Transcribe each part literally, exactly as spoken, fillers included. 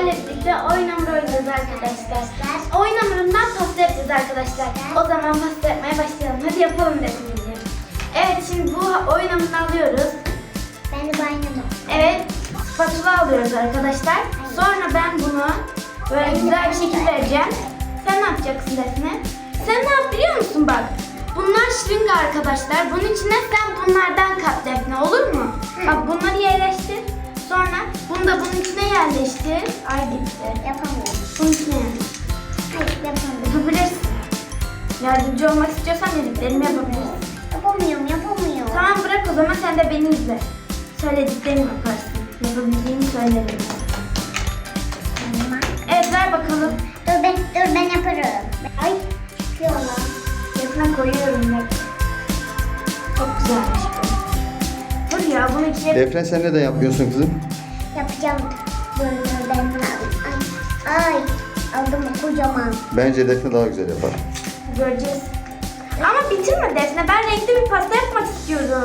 sizlerle birlikte oyun hamuru oynayacağız arkadaşlar. Oyun hamurundan pasta yapacağız arkadaşlar. O zaman pasta yapmaya başlayalım. Hadi yapalım Defneciğim. Evet, şimdi bu oyun hamurunu alıyoruz. Ben de banyomu. Evet, spatula alıyoruz arkadaşlar. Sonra ben bunu böyle güzel bir şekil vereceğim. Sen ne yapacaksın Defne? Sen ne yap biliyor musun bak? Bunlar şırınga arkadaşlar. Bunun içine sen bunlardan kat Defne, olur mu? Hı. Bak bunları yerleştir. Sonra bunu da bunun içine yerleştir. Ay gitti. Yapamıyorum. Bunun içine yerleştir. Hayır yapamıyorum. Yapabilirsin. Yardımcı olmak istiyorsan dediklerimi yapabilirsin. Yapamıyorum yapamıyorum. Tamam, bırak o zaman, sen de beni izle. Söylediklerimi yaparsın. Yapabildiğini söylerim. Tamam. Evet, ver bakalım. Dur ben, dur ben yaparım. Ay çıkıyorlar. Yakına koyuyorum bak. Çok güzelmiş bu. Dur ya, bunu içine... Defne, sen neden yapmıyorsun kızım? Yapacağım. Dur dur ben Ay, ay aldım kocaman. Bence Defne daha güzel yapar. Göreceğiz. Ama bitirme Defne. Ben renkli bir pasta yapmak istiyorum.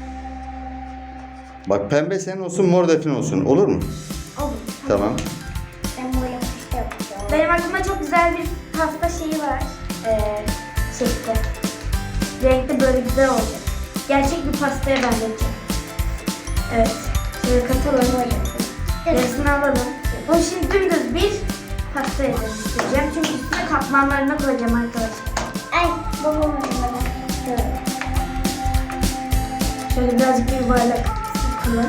Bak, pembe senin olsun, mor Defne olsun. Olur mu? Olur. Tamam. Ben böyle pasta yapacağım. Benim aklımda çok güzel bir pasta şeyi var. Ee, şekli. Renkli böyle güzel olacak. Gerçek bir pastaya benzeteceğim. Evet. Şöyle katalım. Resmini alalım. Bunu şimdi dümdüz bir pasta yerleştireceğim. Çünkü üstüne katmanlarına koyacağım arkadaşlar. Ay babamın bana. Dur. Şöyle birazcık bir yuvarlak sıkalım.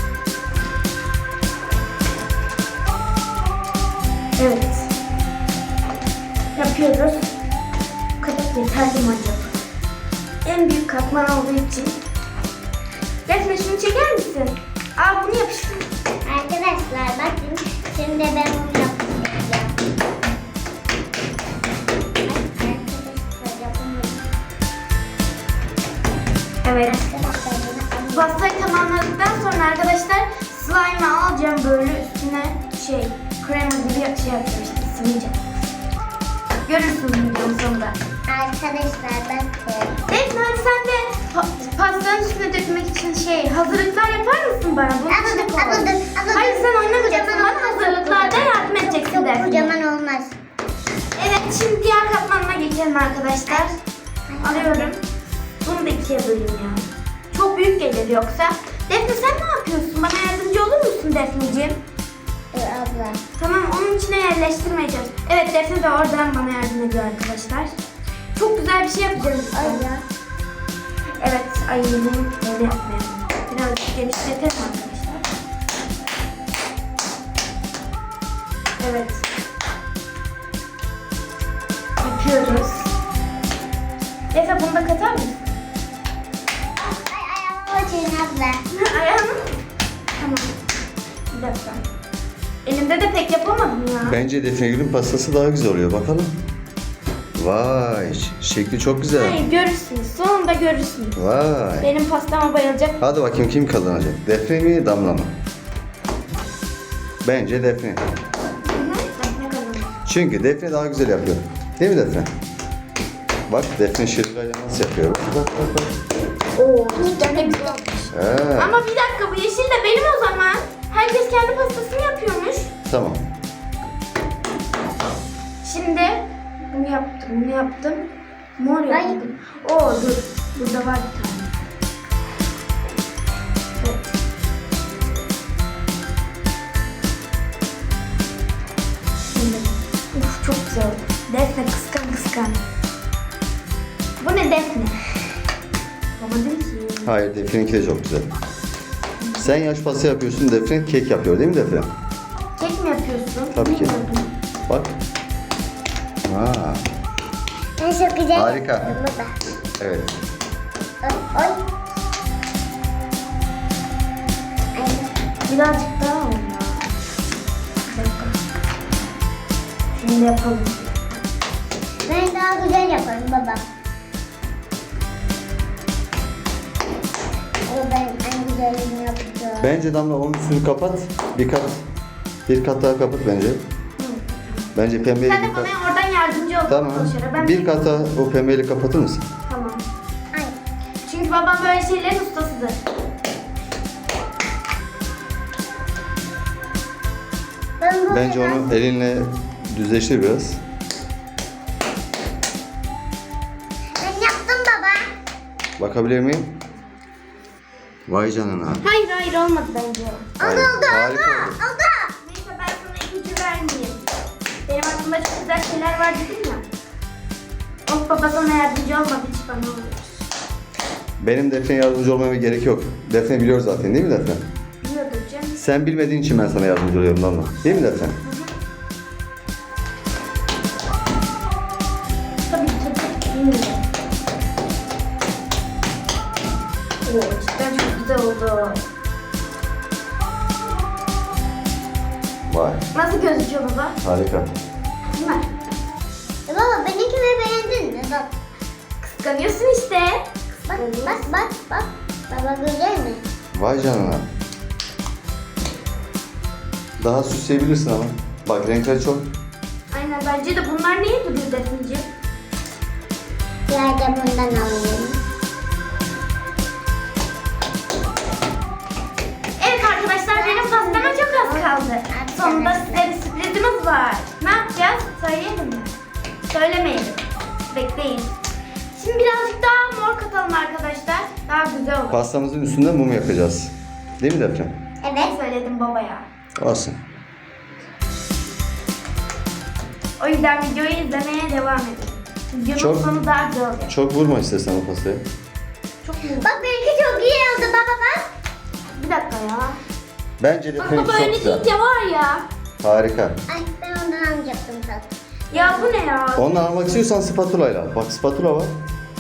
Evet. Yapıyoruz. Bu kadar yeterli mi acaba? En büyük katman olduğu için. Defne, şunu çeker misin? Aa, bunu yapıştır. Arkadaşlar bakın şimdi ben bunu yapacağım. Ay arkadaşlar yapamıyorum. Evet. Arkadaşlar bunu alayım. Pastayı tamamladıktan sonra arkadaşlar slime'ı alacağım, böyle üstüne şey krema gibi şey yapacağım işte, sıvayacağım. Görürsünüz videonun sonunda. Arkadaşlar bakın. Defne, hadi sen de pa- pastanın üstüne dökmek için şey hazırlıklar yapar mısın bana? Bunun içine Anladım, koy. anladım, anladım. Hayır, sen oynamayacaksın, Kocaman bana olmaz. hazırlıklarda yardım edeceksin Çok Defne. kocaman olmaz. Evet, şimdi diğer katmanına geçelim arkadaşlar. Alıyorum. Bunu da ikiye böleyim ya. Çok büyük gelir yoksa. Defne, sen ne yapıyorsun? Bana yardımcı olur musun Defneciğim? Dur abla. Tamam, onun içine yerleştirmeyeceğiz. Evet, Defne de oradan bana yardım ediyor arkadaşlar. Çok güzel bir şey yapacağız. Ay ya. Evet, ay yine böyle yapmayalım. Birazcık genişletelim arkadaşlar. Evet. Yapıyoruz. Defne, bunu da katar mısın? Ay ayağıma batırın abla. Ayağını. Tamam. Bir dakika. Elimde de pek yapamadım ya. Bence Defne Gül'ün pastası daha güzel oluyor. Bakalım. Vay, şekli çok güzel. Hayır, görürsünüz. Sonunda görürsünüz. Vay. Benim pastama bayılacak. Hadi bakayım, kim kazanacak? Defne mi, Damla mı? Bence Defne. Hı hı. Defne kazanır. Çünkü Defne daha güzel yapıyor. Değil mi Defne? Bak, Defne şırıngayla nasıl yapıyor? Bak bak bak. Oo, cidden de güzel olmuş. He, Ama bir dakika, bu yeşil de benim o zaman. Herkes kendi pastasını yapıyormuş. tamam. Şimdi bunu yaptım, bunu yaptım. Mor yaptım. Oo, dur. Burada var bir tane. Evet. Şimdi. Uf, çok güzel oldu. Defne, kıskan kıskan. Bu ne Defne? Yapamadım ki. Hayır, Defne'ninki de çok güzel. Sen yaş pasta yapıyorsun, Defne kek yapıyor değil mi Defne? Kek mi yapıyorsun? Tabii ki. Bilmiyordum. Bak. Ha, Ben çok güzel Harika. yaptım baba. evet. Oy oy. Ay. Birazcık daha olma. Bir dakika. Şunu da yapalım. Ben daha güzel yaparım baba. O ben en güzelini yapacağım. Bence Damla onun üstünü kapat. Bir kat. Bir kat daha kapat bence. Bence pembeyi Sen de bir kat. bana oradan yardımcı ol. Tamam. Koşara. Ben Bir kat daha o pembeyi kapatır mısın? Tamam. Ay. Çünkü babam böyle şeylerin ustasıdır. Ben bu Bence onu elinle düzleştir biraz. Ben yaptım baba. Bakabilir miyim? Vay canına. Hayır hayır olmadı bence o. Hayır, Oldu oldu harika oldu. oldu. Oldu. Neyse ben sana ipucu vermeyeyim. Benim aklımda çok güzel şeyler var dedim ya. Of baba sana yardımcı olmadı hiç bana olur. Benim Defne'ye yardımcı olmama gerek yok. Defne biliyor zaten değil mi Defne? Biliyordur canım. Sen bilmediğin için ben sana yardımcı oluyorum Damla. Değil mi Defne? Tabii ki tabii. Bilmiyorum. Oo cidden çok güzel oldu. Vay. Nasıl gözüküyor baba? Harika. Değil mi? E baba benimkini beğendin mi? Bak. Kıskanıyorsun işte. Bak bak bak bak. Baba güzel mi? Vay canına. Daha süsleyebilirsin ama. Bak renkler çok. Aynen bence de bunlar neye duruyor Defneciğim? Biraz da bundan alayım. Evet arkadaşlar benim pastama çok az kaldı. Sonunda size bir sürprizimiz var. Ne yapacağız? Söyleyelim mi? Söylemeyelim. Bekleyin. Şimdi birazcık daha mor katalım arkadaşlar. Daha güzel olur. Pastamızın üstünde mum yapacağız. Değil mi Defne? Evet. Söyledim babaya. Olsun. O yüzden videoyu izlemeye devam edin. Videonun Çok- sonu daha güzel olacak. Çok vurma istersen o pastayı. Çok mu? Bak benimki çok iyi oldu baba bak. Bir dakika ya. Bence Bak Defne'ninki baba çok öyle güzel. değil de var ya. Harika. Ay ben ondan alacaktım zaten. Ya bu ne ya? Ondan almak istiyorsan spatula ile al. Bak spatula var.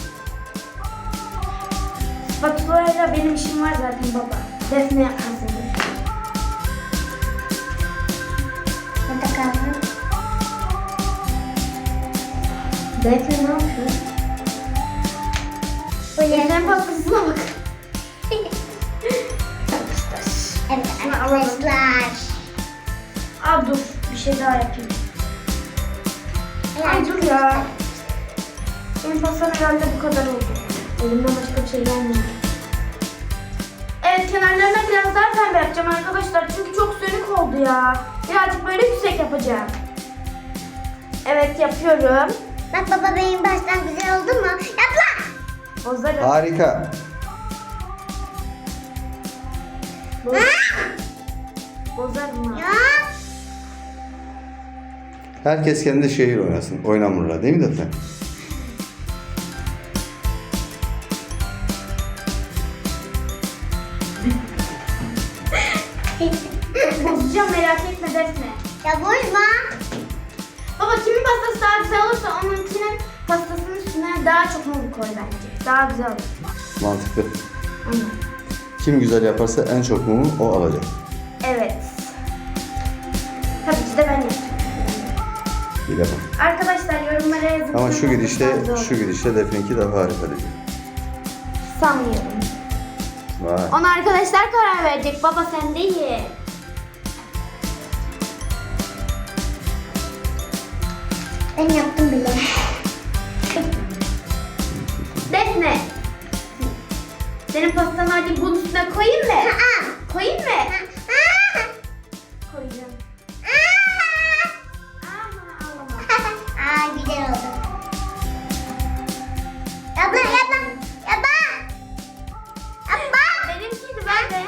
Spatulayla benim işim var zaten baba. Defne yapmasın. Hadi bakalım. Defne ne yapıyor? Defne'nin pastasına bak. Evet Şunu alalım. arkadaşlar. Aa dur bir şey daha yapayım. Ay dur ya. Benim pastam herhalde bu kadar oldu. Elimden başka bir şey gelmiyor. Evet kenarlarına biraz daha pembe yapacağım arkadaşlar. Çünkü çok sönük oldu ya. Birazcık böyle yüksek yapacağım. Evet yapıyorum. Bak baba benim baştan güzel oldu mu? Yap lan. Bozarım. Harika. Boz. Bozarım ha. Ya. Herkes kendi şehir oynasın. Oynamurlar değil mi Defne? Bozacağım merak etme Defne. Ya bozma. Baba kimin pastası daha güzel olursa onunkinin pastasının üstüne daha çok mum koy bence. Daha güzel olur. Mantıklı. Aynen. Kim güzel yaparsa en çok mumu o alacak. Evet. Tabii ki de ben yapacağım. Bir defa. Arkadaşlar yorumlara yazın. Ama şu Kimin gidişte, pastası daha güzel şu olur. gidişte Defne'ninki daha harika diyecek. Sanmıyorum. Vay. Ona arkadaşlar karar verecek. Baba sen değil. Ben yaptım bile. Defne. Senin pastanı hadi bunun üstüne koyayım mı? Aa. Koyayım mı? Aa. Koyacağım. Aa. Ama ağlama. Aa güzel oldu. Yapma yapma. Yapma. Yapma. Benimkiydi ben de.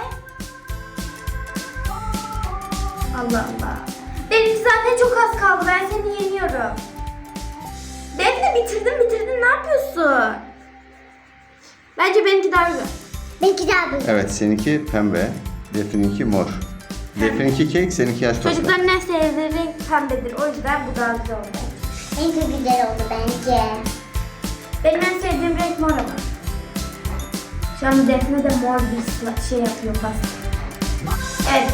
Allah Allah. Benimki zaten çok az kaldı. Ben seni yeniyorum. Defne bitirdin bitirdin. Ne yapıyorsun? Bence benimki daha güzel. Benimki daha büyük. Evet seninki pembe. Defne'ninki mor. Defne'ninki kek, seninki yaş pasta. Çocukların en sevdiği renk pembedir. O yüzden bu daha güzel oldu. Benimki güzel oldu bence. Benim en sevdiğim renk mor ama. Şu an Defne de mor bir sla- şey yapıyor pasta. Evet.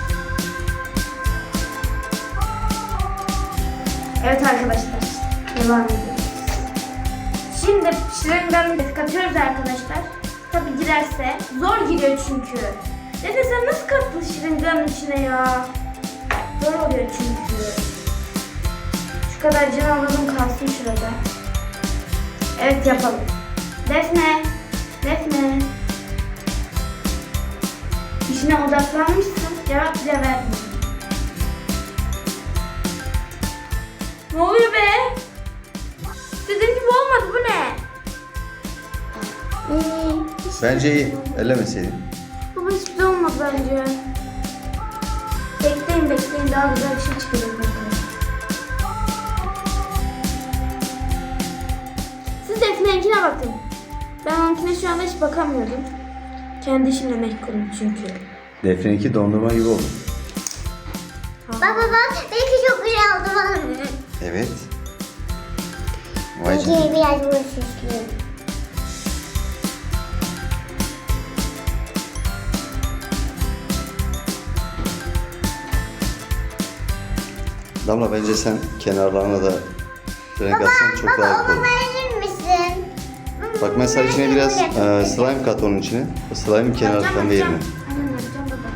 Evet arkadaşlar. Devam ediyoruz. Şimdi şırınganı katıyoruz arkadaşlar. Tabi girerse. Zor giriyor çünkü. Defne sen nasıl kattın şırınganın içine ya? Zor oluyor çünkü. Şu kadar can alalım kalsın şurada. Evet yapalım. Defne. Defne. İşine odaklanmışsın. Cevap bile vermiyor. Ne oluyor be? Dediğim gibi olmadı, bu ne? Ee, Bence iyi. Ellemeseydin. Baba hiçbir şey olmadı bence. Bekleyin bekleyin, daha güzel bir şey çıkacak arkadaşlar. Siz Defne'ninkine bakın. Ben onunkine şu anda hiç bakamıyordum. Kendi işimle meşgulüm çünkü. Defne'ninki dondurma gibi oldu. Baba bak benimki çok güzel oldu bana. Evet. Vay canına. Benimki biraz böyle süslü. Damla bence sen kenarlarına da renk atsan çok Baba daha iyi onu olur. verir misin? Bak mesela içine biraz e, slime kat onun içine. O slime'ın kenarlarından da yerine. Aynen yapacağım baba.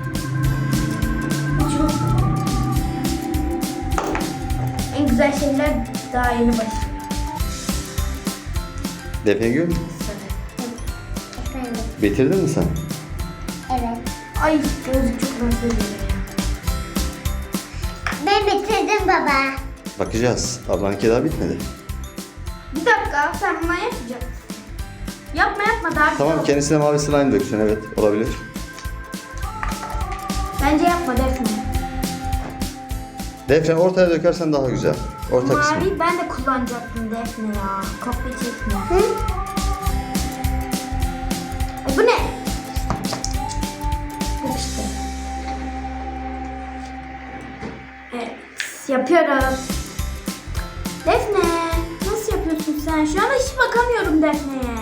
Çok... En güzel şeyler daha yeni başlıyor. Defne Gül, Efendim. bitirdin mi sen? Evet. Ay gözlük çok rahatsız ediyor ya. Ben bitirdim baba. Bakacağız. Ablanınki daha bitmedi. Bir dakika, sen bunu yapacaksın. Yapma yapma, daha güzel Tamam, olur. kendisine mavi slime döksün, evet olabilir. Bence yapma Defne. Defne ortaya dökersen daha güzel. Orta kısmı. Mavi ben de kullanacaktım Defne ya. Kopya çekme. Hı? Ay, bu ne? Yok işte. Evet, yapıyoruz. Defne, nasıl yapıyorsun sen? Şu anda hiç bakamıyorum Defne'ye.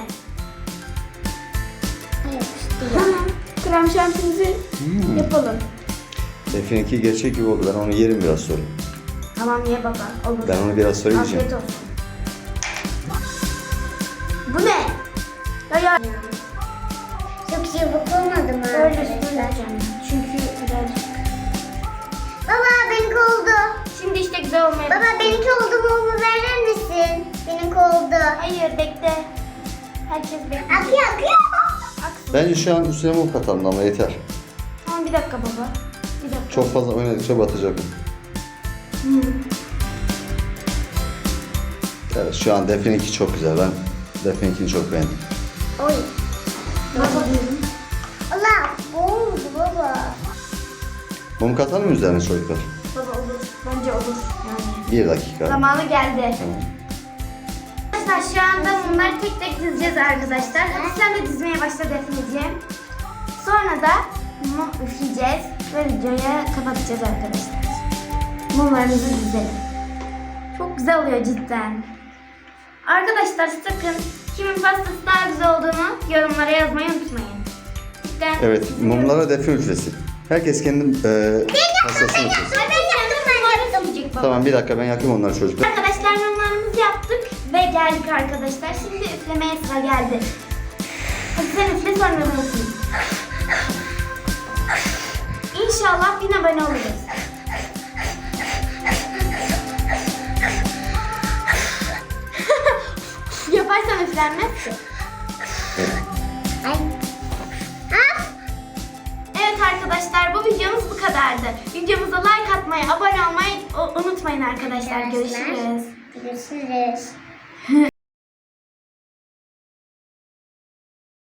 Evet. Tamam, krem şantimizi Hmm. yapalım. Defne'ninki gerçek gibi oldu. Ben onu yerim biraz sonra. Tamam ye baba, olur. Ben onu biraz sonra yiyeceğim. Afiyet olsun. Bu ne? Ya ya. Çok çabuk olmadı mı Öyle arkadaşlar? söyleyeceğim. Çünkü birazcık. Baba benimki oldu. Şimdi işte güzel olmaya Baba başladı. benimki oldu mu verir misin? Benimki oldu. Hayır bekle. Herkes bekle. Akıyor akıyor. Aksın. Bence şu an üstüne mum katalım ama yeter. Tamam bir dakika baba. Bir dakika. Çok fazla oynadıkça batacak. Hmm. Evet, şu an Defne'ninki çok güzel. Ben Defne'ninkini çok beğendim. Oy. Baba diyorum. Allah oldu baba. Mum katalım mı üzerine çocuklar? Baba olur. Bence olur. Yani. Bir dakika. Zamanı geldi. Tamam. Arkadaşlar şu anda bunları tek tek dizeceğiz arkadaşlar. Hadi sen de dizmeye başla Defneciğim. Sonra da mum üfleyeceğiz ve videoyu kapatacağız arkadaşlar. Mumlarımızı dizelim. Çok güzel oluyor cidden. Arkadaşlar sakın kimin pastası daha güzel olduğunu yorumlara yazmayı unutmayın. Cidden. Evet, mumlara Defne üflesin. Herkes kendi e, pastasını üflesin. Ben yaptım, ben yaptım. Baba. Tamam, bir dakika ben yakayım onları çocuklar. Arkadaşlar mumlarımızı yaptık ve geldik arkadaşlar. Şimdi üflemeye sıra geldi. Hadi sen üfle sonra ben üfleyeyim. İnşallah bin abone oluruz. Yaparsam üflenmez ki. Ay. Ha? Evet arkadaşlar bu videomuz bu kadardı. Videomuza like atmayı, abone olmayı o- unutmayın arkadaşlar. Görüşürüz. Görüşürüz.